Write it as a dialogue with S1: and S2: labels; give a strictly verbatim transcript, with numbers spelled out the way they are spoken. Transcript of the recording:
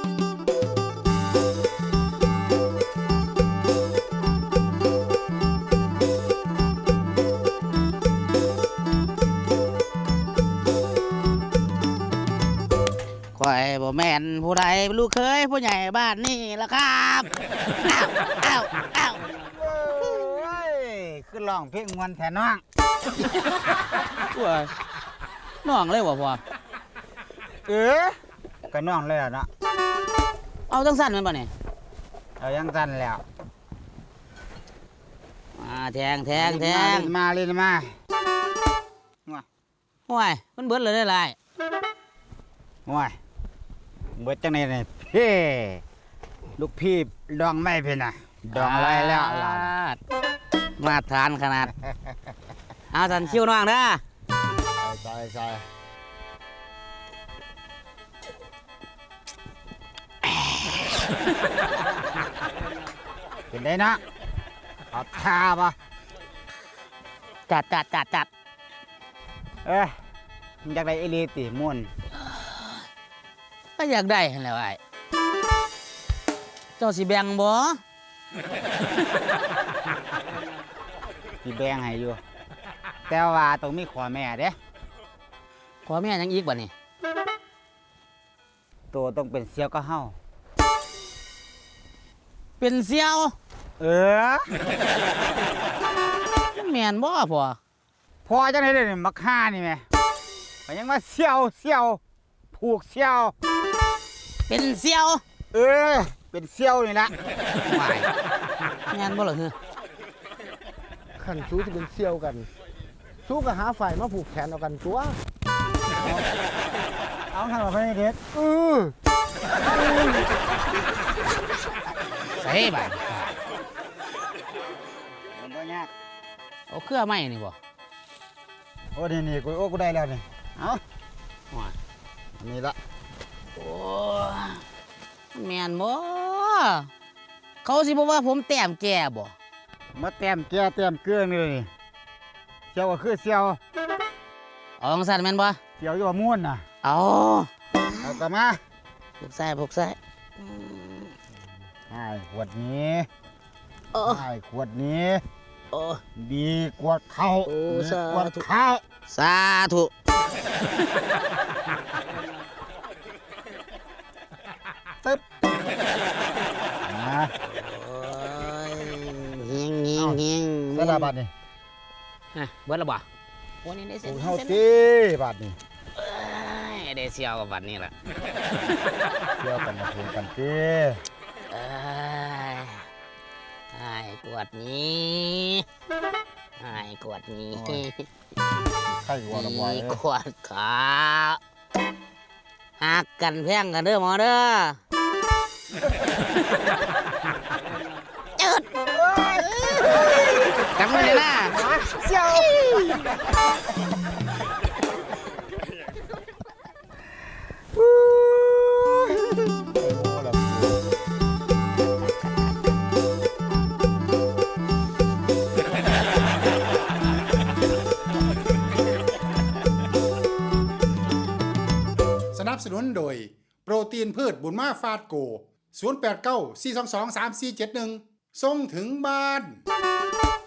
S1: ข่อยบ่แม่นผู้ใดลูกเคยผู้ใหญ่บ้านนี่ล่ะครับอ้าวอ้าวอ้าว
S2: โอ้ยคือร้องเพลงมวนแท้น้อง
S1: ตัวน้องเลยบ่พ่อ
S2: เออก็น้องเลยล่ะเนาะ
S1: เอาจังสั้นแม่นบ่นี่
S2: เอายังสั้นแล้ว
S1: มาแทงแทงแทง
S2: มาเล่นมา
S1: โอ้ยมันเบิดเลยได้หลาย
S2: โอ้ยเบิดจังได๋นี่พี่ลูกพี่ดองไม่เพิ่นน่ะดองอะไรแล้วล่ะ
S1: มาทานขนาดเอาสันคิวน้องเด้อ
S2: ใส่ใส่เป็นได้นะเอาทาป่ะ
S1: จัดจัดจัดจัด
S2: เอ้ยอยากได้เอลีติม่วน
S1: ก็อยากได้หั่นแหละไอ้เจ้าสิแบ่งบ่
S2: สิแบ่งให้อยู่แต่ว่าต้องมีขอแม่เด้
S1: ขอแม่ยังอีกบ่นี่
S2: ตัวต้องเป็นเสี่ยวก็เฮา
S1: เป็นเสี่ยว
S2: เออ
S1: แม่นบ่พ่อ
S2: พอจังได๋เด้มักฆ่านี่แม่ก็ยังว่าเสี่ยวเสี่ยวผูกเสี่ยว
S1: เป็นเสี่ยว
S2: เออเป็นเสี่ยวนี่ล่ะ
S1: ไม่แม่นบ่ล่ะคือ
S3: ขันสู้ที่เป็นเสี่ยวกันสู้กับหาฝ่ายมาผูกแขนเอากันตัว
S2: เอาทำแบบนี้เด็ดเออ
S1: ใส่บ่
S2: มันก็ยาก
S1: เอาเครือไม้นี่บ่
S2: โอ้นี่นี่กูโอ้กูได้แล้วนี่เอานี่ละ
S1: โอ้แม่นบ่เขาสิบอกว่าผมแต้มแก่บ่
S2: มาแต้มแก่แต้มเกลือนี่เลยเสี่ยวก็คือเสี่ยว
S1: เอาจังซั่นแม่นบ่
S2: เสี่ยวอยู่ว่าม่วนน่ะ
S1: เอา
S2: เอากลับมา
S1: พวกใส่พวกใส่
S2: ไอ้ขวดนี้ไอ้ขวดนี้
S1: โอ้
S2: ดีกว่าข้าวดีกว่าข้าว
S1: สาธุ
S2: ตึ๊บนะ
S1: โอ้ยเฮียงเฮียงเฮียง
S2: สระบาดนี่
S1: ฮะเบิดแล้วบ่วันนี้ได้เสร็จ
S2: เฮาตีบาดนี่
S1: เอ้ยได้เสี่ยวกับบัดนี้ล่ะ
S2: เสี่ยวกันมาพูดกันตี
S1: เอ้ยไอ้กวดนี้ไอ้กวดนี้
S2: ใครว่าละว่า
S1: กวดขาหักกันแพงกันเด้อหมอเด้อจืดจังเลยนะ
S2: เสี่ยว
S4: สนับสนุนโดยโปรตีนพืชบุญมาฟาดโกศูนย์ แปด เก้า สี่ สอง สอง สาม สี่ เจ็ด หนึ่งส่งถึงบ้าน